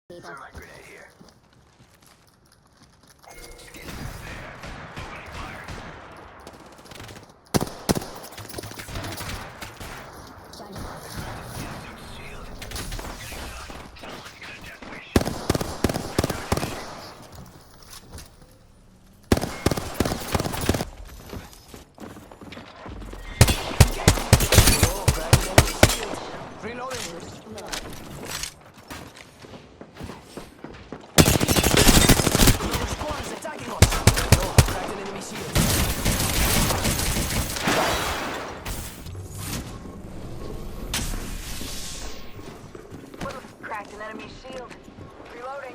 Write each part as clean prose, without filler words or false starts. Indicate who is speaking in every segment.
Speaker 1: Cracked an enemy shield. Reloading.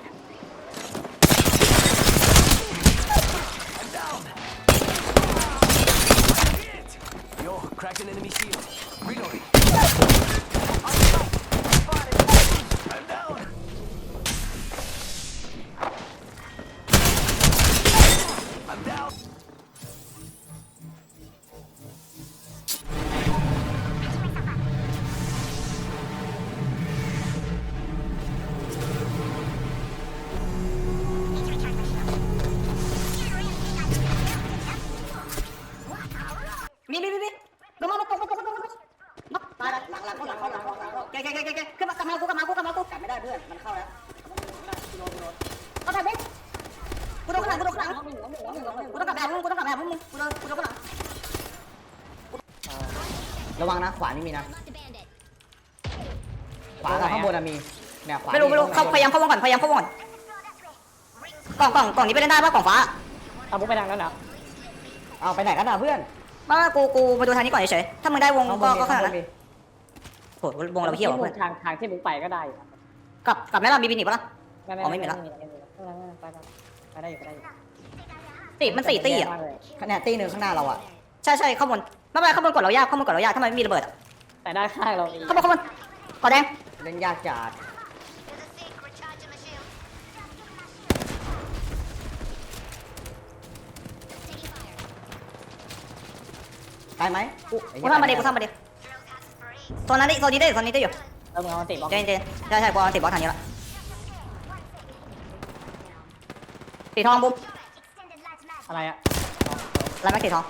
Speaker 2: I'm down. Yo, cracked an enemy shield. Reloading. I'm down. I'm down.
Speaker 3: มีลงมาตกตายหลังเข้าแกขึ้นมากลับมากูกลับไม่ได้เพื่อนมันเข้าแล้วเขาถ่ายบุ๊กกูโดนข้างหลังกูต้องกลับแบบมึงกูโดนข้างหลังระวังนะขวานี่มีนะขวากับข้างบนมีเนี่ยขวาไม่รู้เข้าพยายามเข้าวงก่อนกล่องนี้ไปเล่นได้ป่ะกล่องฟ้าเอาบุ๊กไปทางนั้นเหรอเอาไปไหนกันอ่ะเพื่อนมากูมาดูทางนี้ก่อนเฉยๆถ้ามึงได้วงก็ขนาดนั้นโหวงเราเที่ยวเพื่อน
Speaker 4: ทางที่มึงไปก็ได้อยู่
Speaker 3: กลับแล้วเรามีบินอีกปะล่ะไม่มีแล้ว
Speaker 4: ไปได้อยู่
Speaker 3: ตีมัน4 ตีอ่ะเนี่ยตีหนึ่งข้างหน้าเราอ่ะใช่ข้างบนไม่เป็นไรข้างบนกดเรายากถ้ามันไม่มีระเบิด
Speaker 4: แต่ด้านข้างเรา
Speaker 3: ข้างบนกดแดงเล่นยากจัดตายไหมกูทำมาดิโซนนี้ได้อยู่
Speaker 4: แล้วมึงเอาติดบล็อก
Speaker 3: เจนใช่กูเอาติดบล็อกทางนี้ละสีทองบุ๊ม
Speaker 4: อะไรอะ
Speaker 3: อะไรไม่สีทอง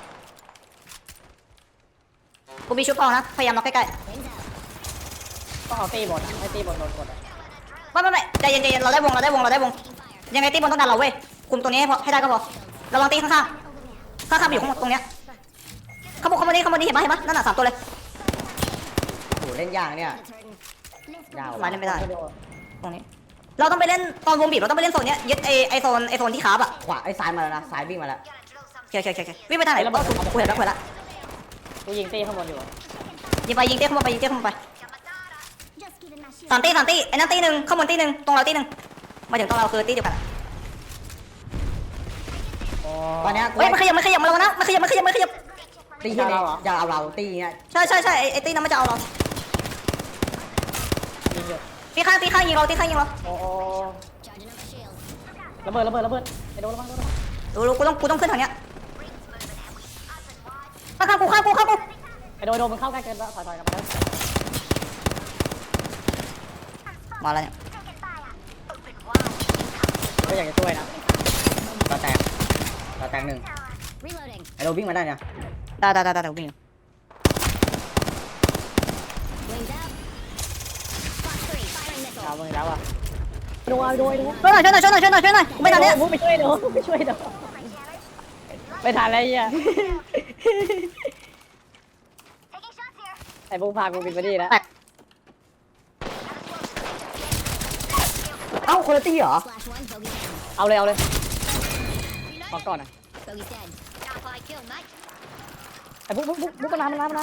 Speaker 3: กูมีชุดทองนะพยายามล็อกใกล้
Speaker 4: ต้องเอาตีบนให้ตีบนโดนกด
Speaker 3: ไม่ใจเย็นเราได้วงยังไงตีบนต้องดันเราเว้ยคุมตัวนี้ให้ได้ก็พอระวังตีข้างอยู่ข้างตรงเนี้ยข้างบนนี้เห็นปะนั่นน่ะ3 ตัวเลยโหเล่นยากเนี่ยยาวมาเล่นไม่ได้ตรงนี้เราต้องไปเล่นตอนวงบีบเราต้องไปเล่นโซนเนี้ยยึดไอโซนที่คาบอะขวาไอซ้ายมาแล้วนะซ้ายวิ่งมาแล้วโอเควิ่งไปทางไหนกูเห็นแล้ว
Speaker 4: กูยิงตีข้างบนอยู่
Speaker 3: ยิงเต้ข้างบนไป3 ตีไอ้นั่นตี 1ข้างบนตี 1ตรงเราตี 1มาถึงตรงเราคือตีเดียวกันตอนนี้เฮ้ยมันขยับมาแล้วนะมันขยับตีที่นี่จะเอาเราตีเงี้ยใช่ไอ้ตีนั้นมันจะเอาเราตีข้างยิงเรา
Speaker 4: โอ้ระเบิดไอ้โดนระวัง
Speaker 3: ดูกูต้องขึ้นทางเนี้ยข้างกู
Speaker 4: ไอ้โดนมันเข้าใกล้เกินแล้วถอยกลับ
Speaker 3: มาแล้วเนี่ย
Speaker 4: ก็อยากจะช่วยนะ
Speaker 3: ต่อแตก1ไอ้เราวิ่งมาได้เนี่ยได้วิ่ง
Speaker 4: เอามึงแล้วอ่ะโดน
Speaker 3: ช่วยหน่อยไม่ทันเนี่ย
Speaker 4: ไม่ช่วยโดไม่ทันอะไรอ่ะไอ้พวกพากูบินไปดีแล้ว
Speaker 3: เอ้าคนละตีเหรอ
Speaker 4: เอาเลยขอก่อนนะไอ้บุ๊กมันมา
Speaker 3: น้อง 2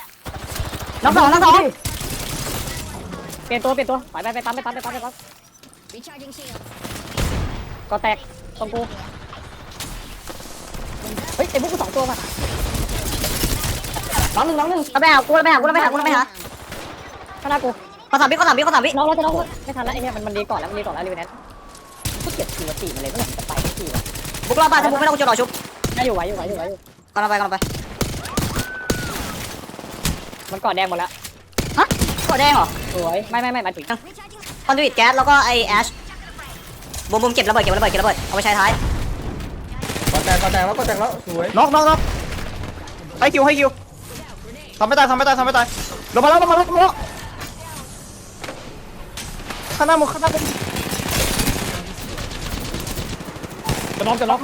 Speaker 4: เปลี่ยนตัวไปตามก็แตกตรงกูเฮ้ยไอ้บุ๊กกู2 ตัวมา
Speaker 3: น้องหนึ่งไปหาข้างหน้ากูขอ3 วิ
Speaker 4: น้องไม่ทันแล้วไอ้เนี่ยมันดีก่อนแล้วรีเวนแนนกูเก็บทีละ4มาเลยเมื่อไหร่จะไปทีวะ
Speaker 3: บุกรอบบ้านถ้าบุกไม่ต้องจะรอชุบ
Speaker 4: น่าอยู่ไหว
Speaker 3: กำลังไป
Speaker 4: มันกอดแดงหมดแล้ว
Speaker 3: ฮะกดแดงเหรอ
Speaker 4: สวยไม่มาถึง
Speaker 3: คอนดูอิตแก๊สแล้วก็ไอแอชบูมเก็บระเบิดเอาไปใช้ท้าย
Speaker 5: ก็แตกแล้วสวย
Speaker 6: น็อกให้คิวทำไม่ตายลงมาแล้วข้างหน้ามึง
Speaker 5: จะน็อก
Speaker 6: มัน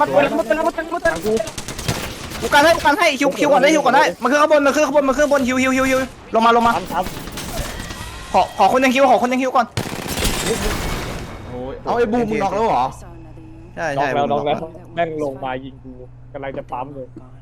Speaker 6: กูกันให้คิวก่อนได้มันขึ้นข้างบนฮิวลงมา
Speaker 5: ครับ
Speaker 6: ขอคนยังคิวก่อน
Speaker 5: โอ้ยเอาไอ้บูมมึงน็อกแล้วเหรอ
Speaker 6: ใช่
Speaker 5: น็อกแล้วแม่งลงมายิงกูกำลังจะปั๊มเลย
Speaker 2: Gone.